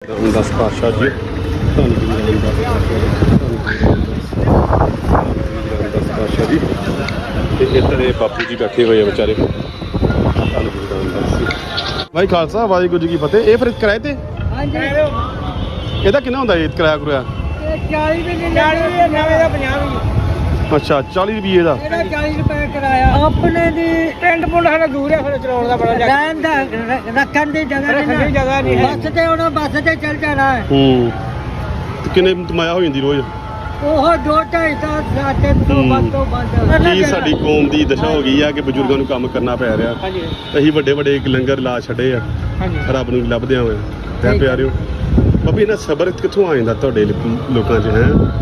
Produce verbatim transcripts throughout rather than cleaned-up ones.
रामदास पातशाह जी धन गुरु रामदास पातशाह जी ते इधर ये बापू जी बैठे हुए हैं बेचारे धन गुरु रामदास जी भाई खालसा वाहिगुरू जी की फतेह। ये फिर किराए ते ਇਹਦਾ ਕਿੰਨਾ ਹੁੰਦਾ ਇਹ ਕਿਰਾਇਆ ਕਰੂਆ ਚਾਲੀ ਰੁਪਏ ਨਵੇਂ ਦਾ ਪੰਜਾਹ ਅੱਛਾ ਚਾਲੀ ਰੁਪਏ ਦਾ ਇਹਦਾ ਚਾਲੀ ਰੁਪਏ ਕਿਰਾਇਆ ਆਪਣੇ ਦੀ ਪਿੰਡ ਪੁੰਡ ਸਾਡਾ ਦੂਰ ਹੈ ਫਿਰ ਚਲਾਉਣ ਦਾ ਬੜਾ ਰਹਿਣ ਦਾ ਰੱਖਣ ਦੀ ਜਗ੍ਹਾ ਨਹੀਂ ਜਗ੍ਹਾ ਨਹੀਂ ਹੈ ਬੱਸ ਤੇ ਉਹਨਾਂ ਬੱਸ ਤੇ ਚੱਲ ਜਾਣਾ ਹੈ ਹੂੰ ਤੇ ਕਿੰਨੇ ਕਮਾਇਆ ਹੋ ਜਾਂਦੀ ਰੋਜ਼ ਉਹ ਦੋ ਢਾਈ ਤਾਂ ਸਾਡੇ ਤੋਂ ਵੱਧ ਤੋਂ ਵੱਧ ਕੀ ਸਾਡੀ ਕੌਮ ਦੀ ਦਸ਼ਾ ਹੋ ਗਈ ਆ ਕਿ ਬਜ਼ੁਰਗਾਂ ਨੂੰ ਕੰਮ ਕਰਨਾ ਪੈ ਰਿਹਾ ਹਾਂਜੀ ਅਸੀਂ ਵੱਡੇ ਵੱਡੇ ਲੰਗਰ ਲਾ ਛੱਡੇ ਆ ਹਾਂਜੀ ਰੱਬ ਨੂੰ ਲੱਭਦਿਆਂ ਹੋਏ ਤੇ ਪਿਆਰਿਓ ਬਾਬੀ ਇਹਨਾਂ ਸਬਰ ਕਿੱਥੋਂ ਆ ਜਾਂਦਾ ਤੁਹਾਡੇ ਲੋਕਾਂ 'ਚ ਹੈ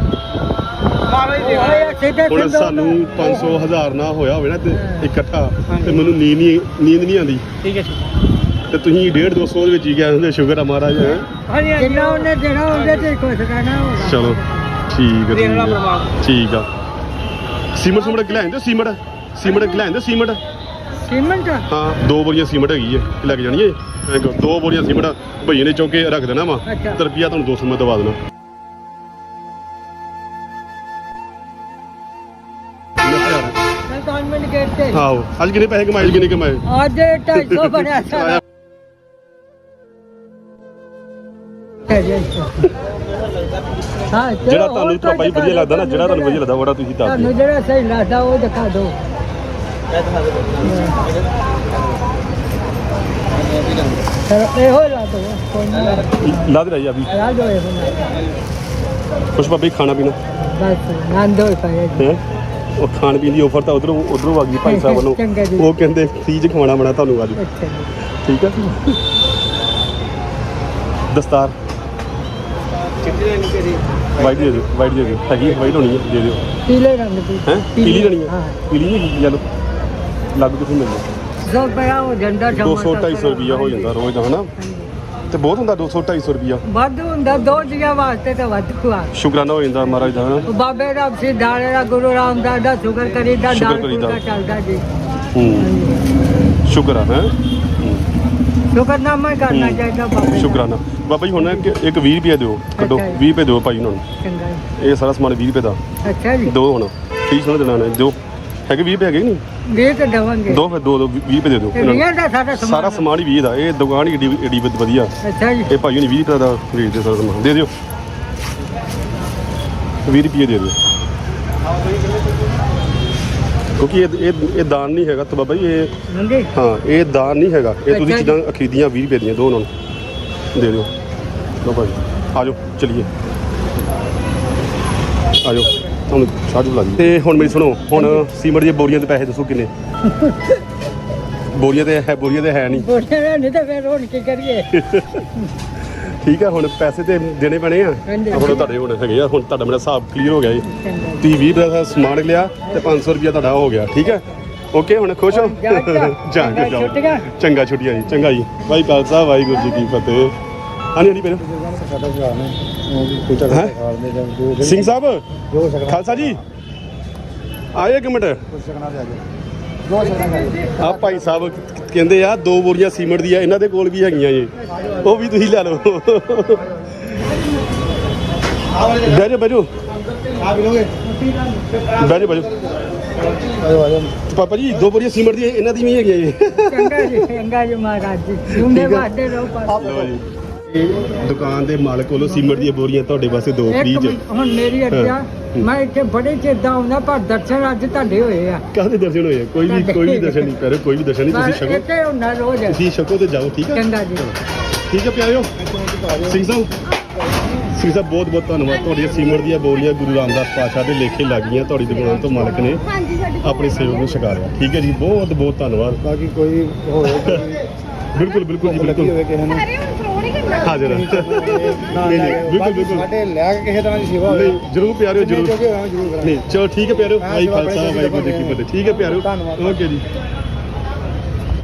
ਹੁਣ ਸਾਨੂੰ ਪੰਜ ਸੌ ਹਜ਼ਾਰ ਨਾ ਹੋਇਆ ਹੋਵੇ ਨਾ ਤੇ ਇਕੱਠਾ ਤੇ ਮੈਨੂੰ ਨੀਂਦ ਨਹੀਂ ਨੀਂਦ ਨਹੀਂ ਆਉਂਦੀ ਠੀਕ ਹੈ ਤੇ ਤੁਸੀਂ ਡੇਢ ਦੋ ਸੌ ਦੇ ਵਿੱਚ ਹੀ ਗਿਆ ਹੁੰਦੇ ਸ਼ੁਕਰ ਆ ਮਹਾਰਾਜ ਹੈ ਜਿੰਨਾ ਉਹਨੇ ਦੇਣਾ ਉਹਦੇ ਤੇ ਖੁਸ਼ ਰਹਿਣਾ ਹੋਗਾ ਚਲੋ ਠੀਕ ਹੈ ਠੀਕ ਆ ਸੀਮਟ ਸੁਮਟ ਲੈ ਆਂਦੇ ਸੀਮਟ ਸੀਮਟ ਲੈ ਆਂਦੇ ਸੀਮਟ ਸੀਮੈਂਟ ਹਾਂ ਦੋ ਬੋਰੀਆਂ ਸੀਮਟ ਹੈਗੀ ਹੈ ਲੈ ਕੇ ਜਾਣੀ ਹੈ ਦੋ ਬੋਰੀਆਂ ਸੀਮਟ ਭਈਏ ਨੇ ਚੌਕੇ ਰੱਖ ਦੇਣਾ ਵਾ ਤੇ ਰੁਪਿਆ ਤੁਹਾਨੂੰ ਦੋ ਸੌ ਮੈਂ ਦਵਾ ਦੇਣਾ ਆਹੋ ਅੱਜ ਕਿੰਨੇ ਪੈਸੇ ਕਮਾਏ ਕਿੰਨੇ ਕਮਾਏ ਅੱਜ ਢਾਈ ਸੌ ਬਣਿਆ ਸਾਰਾ ਹਾਂ ਜਿਹੜਾ ਤੁਹਾਨੂੰ ਤਾਂ ਭਾਈ ਵਧੀਆ ਲੱਗਦਾ ਨਾ ਜਿਹੜਾ ਤੁਹਾਨੂੰ ਵਧੀਆ ਲੱਗਦਾ ਉਹਦਾ ਤੁਸੀਂ ਦੱਸ ਦਿਓ ਤੁਹਾਨੂੰ ਜਿਹੜਾ ਸਹੀ ਲੱਗਦਾ ਉਹ ਦਿਖਾ ਦਿਓ ਸਰ ਇਹੋ ਲਾ ਦੋ ਕੋਈ ਲਾ ਦੇ ਰਹੀ ਅਭੀ ਲਾ ਦੋ ਇਹ ਕੁਛ ਬਾਬੇ ਖਾਣਾ ਪੀਣਾ ਬਸ ਨੰਦੋ ਪਾਏ ਹੈ ਉਹ ਖਾਣ ਪੀਣ ਦੀ ਆਫਰ ਤਾਂ ਉਧਰੋਂ ਉਧਰੋਂ ਆ ਗਈ ਭਾਈ ਸਾਹਿਬ ਵੱਲੋਂ ਉਹ ਕਹਿੰਦੇ ਫ੍ਰੀ ਚ ਖਵਾਉਣਾ ਬਣਾ ਤੁਹਾਨੂੰ ਅੱਜ ਠੀਕ ਹੈ ਦਸਤਾਰ ਵਾਈਟ ਦੇ ਦਿਓ ਵਾਈਟ ਦੇ ਦਿਓ ਹੈਗੀ ਵਾਈਟ ਹੋਣੀ ਹੈ ਦੇ ਦਿਓ ਪੀਲੇ ਰੰਗ ਦੀ ਹੈ ਪੀਲੀ ਲੈਣੀ ਹੈ ਪੀਲੀ ਨਹੀਂ ਯੈਲੋ ਲੱਗ ਕਿੱਥੋਂ ਮਿਲਦਾ ਸੌ ਪਿਆ ਉਹ ਝੰਡਾ ਦੋ ਸੌ ਢਾਈ ਸੌ ਰੁਪਿਆ ਹੋ ਜਾਂਦਾ ਰੋਜ਼ ਦਾ ਹਨਾ ਤੇ ਬਹੁਤ ਹੁੰਦਾ ਦੋ ਸੌ ਢਾਈ ਸੌ ਰੁਪਿਆ ਵੱਧ ਹੁੰਦਾ ਦੋ ਜੀਆਂ ਵਾਸਤੇ ਤਾਂ ਵੱਧ ਹੁਆ ਸ਼ੁਕਰਾਨਾ ਹੋ ਜਾਂਦਾ ਮਹਾਰਾਜ ਦਾ ਹਨਾ ਬਾਬੇ ਦਾ ਸਿੱਧਾੜੇ ਦਾ ਗੁਰੂ ਰਾਮਦਾਸ ਦਾ ਸ਼ੁਕਰ ਕਰੀਦਾ ਦਾਲ ਪੂਰਾ ਚੱਲਦਾ ਜੀ ਹੂੰ ਸ਼ੁਕਰ ਆ ਹੈ ਸ਼ੁਕਰਨਾਮਾ ਕਰਨਾ ਚਾਹੀਦਾ ਬਾਬੇ ਸ਼ੁਕਰਾਨਾ ਬਾਬਾ ਜੀ ਹੁਣ ਇੱਕ ਵੀਹ ਰੁਪਏ ਦਿਓ ਕੱਢੋ ਵੀਹ ਰੁਪਏ ਦਿਓ ਭਾਈ ਉਹਨਾਂ ਨੂੰ ਚੰਗਾ ਇਹ ਸਾਰਾ ਸਮਾਨ ਵੀਹ ਰੁਪਏ ਦਾ ਅੱਛਾ ਜੀ ਦੋ ਹੁਣ ਠੀਕ ਸੁਣ ਦੇਣਾ ਨੇ ਦਿਓ ਹੈਗੇ ਵੀਹ ਰੁਪਏ ਹੈਗੇ ਨਹੀਂ ਵੀਹ ਤੇ ਦੇਵਾਂਗੇ ਦੋ ਫਿਰ ਦੋ ਵੀਹ ਰੁਪਏ ਦੇ ਦਿਓ ਸਾਰਾ ਸਮਾਨ ਹੀ ਵੀਹ ਦਾ ਇਹ ਦੁਕਾਨ ਹੀ ਏਡੀ ਏਡੀ ਵਧੀਆ ਅੱਛਾ ਜੀ ਇਹ ਭਾਈ ਨੇ ਵੀਹ ਰੁਪਏ ਦਾ ਵੇਚਦੇ ਸਾਰਾ ਸਮਾਨ ਦੇ ਦਿਓ ਵੀਹ ਰੁਪਏ ਦੇ ਦਿਓ ਕਿਉਂਕਿ ਇਹ ਇਹ ਇਹ ਦਾਨ ਨਹੀਂ ਹੈਗਾ ਤਾਂ ਬਾਬਾ ਜੀ ਇਹ ਹਾਂ ਇਹ ਦਾਨ ਨਹੀਂ ਹੈਗਾ ਇਹ ਤੁਸੀਂ ਚੀਜ਼ਾਂ ਖਰੀਦੀਆਂ ਵੀਹ ਰੁਪਏ ਦੀਆਂ ਦੋ ਉਹਨਾਂ ਨੂੰ ਦੇ ਦਿਓ ਲਓ ਭਾਈ ਆ ਜਾਓ ਚਲੀਏ ਆ ਜਾਓ ਤੁਹਾਨੂੰ ਚਾਹ ਬੁਲਾ ਦੀ ਤੇ ਹੁਣ ਮੇਰੀ ਸੁਣੋ ਹੁਣ ਸੀਮਟ ਦੀਆਂ ਬੋਰੀਆਂ ਦੇ ਪੈਸੇ ਦੱਸੋ ਕਿੰਨੇ ਬੋਰੀਆਂ ਤੇ ਹੈ ਬੋਰੀਆਂ ਤੇ ਹੈ ਨਹੀਂ ਬੋਰੀਆਂ ਨਹੀਂ ਤਾਂ ਫਿਰ ਹੁਣ ਕੀ ਕਰੀਏ ਠੀਕ ਆ ਹੁਣ ਪੈਸੇ ਤੇ ਦੇਣੇ ਪੈਣੇ ਆ ਹੁਣ ਤੁਹਾਡੇ ਹੁਣ ਹੈਗੇ ਆ ਹੁਣ ਤੁਹਾਡਾ ਮੇਰਾ ਹਿਸਾਬ ਕਲੀਅਰ ਹੋ ਗਿਆ ਜੀ ਤੁਸੀਂ ਵੀਹ ਰੁਪਏ ਦਾ ਸਮਾਨ ਲਿਆ ਤੇ ਪੰਜ ਸੌ ਰੁਪਇਆ ਤੁਹਾਡਾ ਹੋ ਗਿਆ ਠੀਕ ਹੈ ਓਕੇ ਹੁਣ ਖੁਸ਼ ਹੋ ਜਾ ਕੇ ਜਾਓ ਚੰਗਾ ਛੁੱਟੀਆਂ ਜੀ ਚੰਗਾ ਜੀ ਭਾਈ ਖਾਲਸਾ ਵਾਹਿਗੁਰੂ ਜੀ ਕੀ ਫਤਿਹ ਹਾਂਜੀ ਹਾਂਜੀ ਪਹਿਲਾਂ ਸਿੰਘ ਸਾਹਿਬ ਖਾਲਸਾ ਜੀ ਆਏ ਇੱਕ ਮਿੰਟ ਆ ਭਾਈ ਸਾਹਿਬ ਕਹਿੰਦੇ ਆ ਦੋ ਬੋਰੀਆਂ ਸੀਮਟ ਦੀਆਂ ਇਹਨਾਂ ਦੇ ਕੋਲ ਵੀ ਹੈਗੀਆਂ ਜੀ ਉਹ ਵੀ ਤੁਸੀਂ ਲੈ ਲਓ ਬਹਿ ਜਾਓ ਬਹਿ ਜਾਓ ਬਹਿ ਜਾਓ ਬਹਿ ਜਾਓ ਪਾਪਾ ਜੀ ਦੋ ਬੋਰੀਆਂ ਸੀਮਟ ਦੀਆਂ ਇਹਨਾਂ ਦੀ ਵੀ ਹੈਗੀਆਂ ਜੀ ਚੰਗਾ ਜੀ ਚੰਗਾ ਜੀ ਮਹਾਰਾਜ ਜੀ ਜੁੰਡੇ ਵਾਸਤੇ ਰਹੋ ਪਾਸ ਦੁਕਾਨ ਦੇ ਮਾਲਕ ਕੋਲੋਂ ਸੀਮਟ ਦੀਆਂ ਬੋਰੀਆਂ ਤੁਹਾਡੇ ਵਾਸਤੇ ਦੋ ਫ੍ਰੀ ਚ ਹੁਣ ਮੇਰੀ ਅੱਛਾ ਮੈਂ ਇੱਥੇ ਬੜੇ ਚਿਰ ਦਾ ਆਉਂਦਾ ਪਰ ਦਰਸ਼ਨ ਅੱਜ ਤੁਹਾਡੇ ਹੋਏ ਆ ਕਾਹਦੇ ਦਰਸ਼ਨ ਹੋਏ ਕੋਈ ਵੀ ਕੋਈ ਵੀ ਦਰਸ਼ਨ ਨਹੀਂ ਕਰੋ ਕੋਈ ਵੀ ਦਰਸ਼ਨ ਨਹੀਂ ਤੁਸੀਂ ਛਕੋ ਇੱਥੇ ਹੁੰਦਾ ਰੋਜ਼ ਤੁਸੀਂ ਛਕੋ ਤੇ ਜਾਓ ਠੀਕ ਹੈ ਚੰਗਾ ਜੀ ਠੀਕ ਹੈ ਪਿਆਰਿਓ ਸਿੰਘ ਸਾਹਿਬ ਸਿੰਘ ਸਾਹਿਬ ਬਹੁਤ ਬਹੁਤ ਧੰਨਵਾਦ ਤੁਹਾਡੀਆਂ ਸੀਮਟ ਦੀਆਂ ਬੋਰੀਆਂ ਗੁਰੂ ਰਾਮਦਾਸ ਪਾਤਸ਼ਾਹ ਦੇ ਲੇਖੇ ਲੱਗ ਗਈਆਂ ਤੁਹਾਡੀ ਦੁਕਾਨ ਤੋਂ ਮਾਲਕ ਨੇ ਆਪਣੇ ਸੇਵਕ ਨੂੰ ਛਕਾ ਰਿਹਾ ਠੀਕ ਹੈ ਜੀ ਬਹੁਤ ਬਹੁਤ ਧੰਨਵਾਦ ਬਾਕੀ ਕੋਈ ਹੋਵੇ ਬਿਲਕੁਲ ਬਿਲਕੁਲ ਜੀ ਬਿਲਕੁਲ ਹਾਜ਼ਰ ਨਹੀਂ ਨਹੀਂ ਬਿਲਕੁਲ ਬਿਲਕੁਲ ਸਾਡੇ ਲੈ ਕੇ ਕਿਸੇ ਤਰ੍ਹਾਂ ਦੀ ਸੇਵਾ ਹੋਵੇ ਨਹੀਂ ਜਰੂਰ ਪਿਆਰਿਓ ਜਰੂਰ ਨਹੀਂ ਚਲੋ ਠੀਕ ਹੈ ਪਿਆਰਿਓ ਭਾਈ ਖਾਲਸਾ ਵਾਹਿਗੁਰੂ ਜੀ ਕੀ ਫਤਿਹ ਠੀਕ ਹੈ ਪਿਆਰਿਓ ਓਕੇ ਜੀ